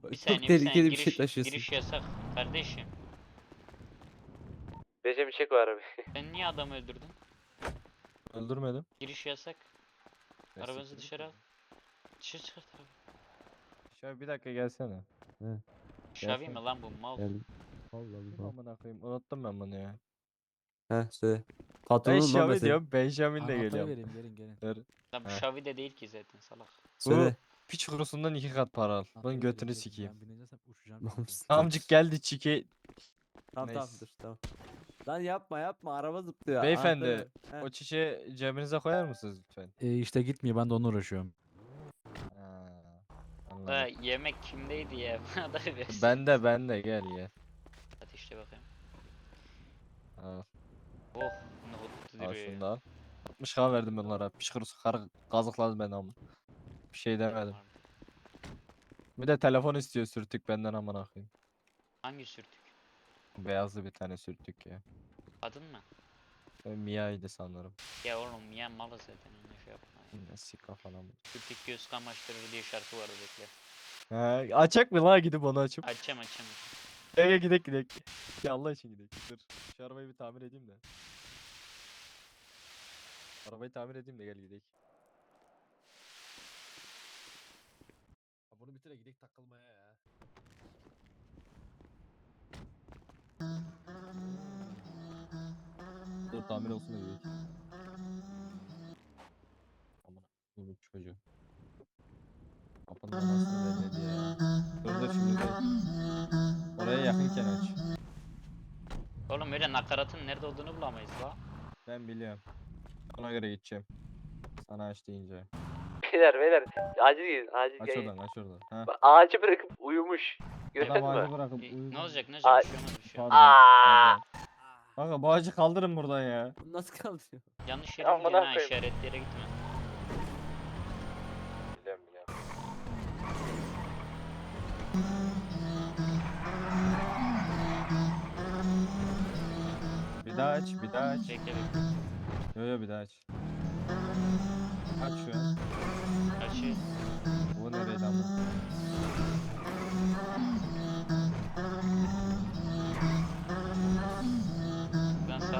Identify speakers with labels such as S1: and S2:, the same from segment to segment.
S1: Bir
S2: Çok
S1: saniye bir
S2: tehlikeli
S1: saniye
S2: bir şey
S1: giriş,
S2: taşıyorsun.
S1: giriş yasak kardeşim.
S3: Recep çek o arabayı.
S1: Sen niye adamı öldürdün?
S4: Öldürmedim.
S1: Giriş yasak.
S4: Ya
S1: Arabanızı
S4: siktir
S1: dışarı al.
S4: git
S1: Dışarı çıkart abi.
S4: ya. Şöyle bir dakika gelsene.
S1: Şavi mi
S4: Gelsene.
S1: lan bu mal?
S2: Geldim. Allah
S4: Kim
S2: Allah.
S4: amına koyayım? Unuttum ben bunu ya.
S2: Heh söyle.
S4: Ben
S2: Patronun lan
S4: Şavi
S2: mesela.
S4: diyorum. Benjamin de
S5: Anahtarı
S4: geliyor.
S5: vereyim gelin gelin.
S4: Ver.
S1: Lan bu
S4: Heh.
S1: Şavi de değil ki zaten salak.
S4: Bu
S2: Söyle.
S4: piç kurusundan 2 kat para al.
S5: Anahtarı
S4: Bunun
S5: vereyim,
S4: götünü
S5: gelin.
S4: sikeyim.
S5: Ben bineceksem uçacağım çünkü.
S4: Amcık geldi çiki.
S2: Tamam tamam
S4: Neyse.
S2: dur tamam. Lan yapma araba zıplıyor.
S4: Beyefendi,
S2: Anahtarı ver.
S4: O
S2: Heh.
S4: çiçeği cebinize koyar mısınız lütfen?
S5: İşte gitmiyor ben de onunla uğraşıyorum.
S4: Ha,
S1: Da
S4: anladım.
S1: yemek kimdeydi ya? Bana da versin.
S4: Bende gel gel.
S1: Ateşle bakayım.
S4: Al,
S1: Oh nohutlu
S4: al
S1: duruyor
S4: şunu
S1: ya.
S4: da al. 60k verdim bunlara. Piç kurusu karı kazıkladı beni ama. Bir şey demedim. Bir de telefon istiyor sürtük benden amına koyayım.
S1: Hangi sürtük?
S4: Beyazlı bir tane sürtük ya.
S1: Kadın mı?
S4: Mia'ydı sanırım.
S1: Ya oğlum ya malı zaten öyle şey yapma.
S4: Yine sika falan.
S1: Sürtük göz kamaştırır diye şarkı vardı bekle.
S4: He, açak mı la gidip onu açıp?
S1: Açacağım.
S4: Gel gidek. Ya Allah için gidek. Dur. Şu arabayı bir tamir edeyim de. Arabayı tamir edeyim de gel gidek.
S5: Bunu bitire gidek takılmaya ya.
S4: Dur tamir olsun da gidek. Aman bu çocuğu. Kapının anasını vermedi ya. Dur şimdi değil. Oraya yakınken aç.
S1: Oğlum öyle nakaratın nerede olduğunu bulamayız la.
S4: Ben biliyorum. Ona göre gideceğim. Sana aç deyince.
S3: Beyler acil gelin acil
S4: Aç
S3: gelin.
S4: oradan aç oradan. Ha.
S3: Bak, ağacı bırakıp uyumuş. Görüyor
S4: Adam
S3: musun?
S4: ağacı bırakıp
S1: Ne olacak ne
S3: Ay-
S1: olacak bir şey olmaz bir şey olmaz.
S4: Pardon. Kanka bu ağacı kaldırın buradan ya.
S2: Bu nasıl kaldırıyor?
S1: Yanlış yere
S3: Amına
S1: gidiyorsun ha
S3: koyayım.
S1: işaretli yere gitme.
S4: Biliyorum. Bir daha aç, bir daha aç.
S1: Bekle
S4: Yo bir daha aç. Aç şu an.
S1: Açı.
S4: Bu nereydi ama?
S1: Ben sağa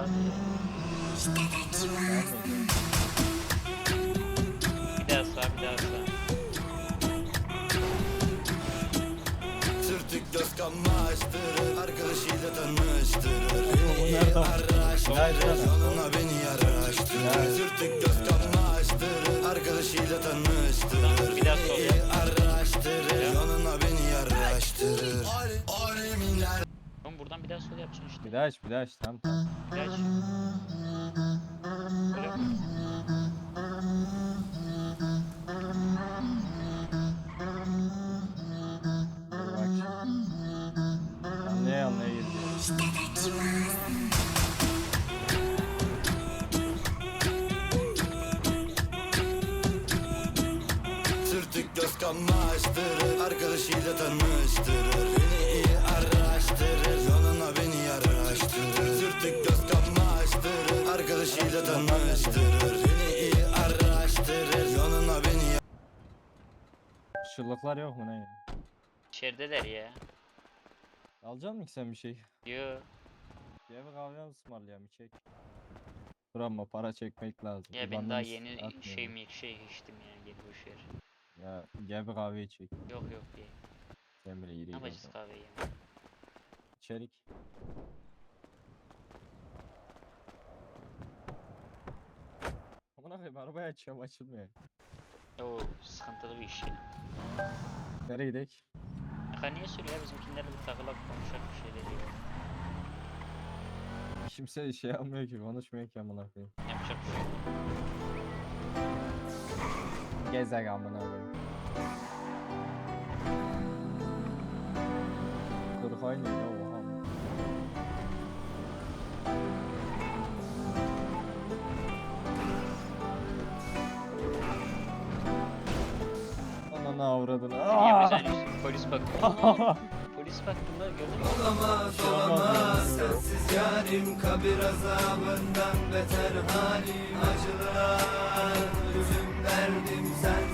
S1: bir daha sağ.
S6: Sürtük göz kamaştırır, arkadaşıyla tanıştırır.
S4: Nereden?
S6: Araştırır, yanına beni yaraştırır. Sürtük göz kamaştırır, arkadaşıyla tanıştırır.
S1: Bir daha sol yap.
S6: Araştırır, yanına beni yaraştırır. Aleminler.
S1: Oğlum buradan bir daha sol yapacaksın işte.
S4: Bir daha aç, bir daha aç. Tamam.
S1: Bir aç. Böyle.
S4: Dur bak şimdi. Anlaya girdi.
S6: Sürtük göz kamaştırır, arkadaşıyla tanıştırır. Beni iyi araştırır, yanına beni yaraştırır. Sürtük göz kamaştırır, arkadaşıyla tanıştırır. Beni iyi araştırır, yanına beni
S4: Şıllıklar yok mu ne ya?
S1: İçerideler ya.
S4: Alacak mısın ki sen bir şey?
S1: Yo.
S4: Bir eve kahve ısmarlayalım çek. Dur ama para çekmek lazım.
S1: Ya ben
S4: İban'dan
S1: daha
S4: is-
S1: yeni
S4: atmıyorum.
S1: şey içtim ya gel boşver.
S4: Ya gel bir kahve çek.
S1: Yok ya.
S4: Sen bile yürü.
S1: Ne yapacağız kahveyi ya?
S4: İçerik. Amına koyayım arabayı açıyorum açılmıyor.
S1: Oo sıkıntılı bir iş ya.
S4: Nereye gidek?
S1: Aka niye söylüyor ya bizimkilerle bir takılak konuşak bir şey dedi.
S4: Kimse şey yapmıyor ki konuşmuyor ki amına koyayım.
S1: Yapacak bir şey yok.
S4: Gezek amına koyayım. Dur haydi ya oha. Ananı avradını.
S1: Niye
S4: Aa!
S1: bir tane polis baktı. Polis baktı da gördün mü?
S6: olamaz. Sensiz yarim kabir azabından beter halim acılar. Gözüm derdim sen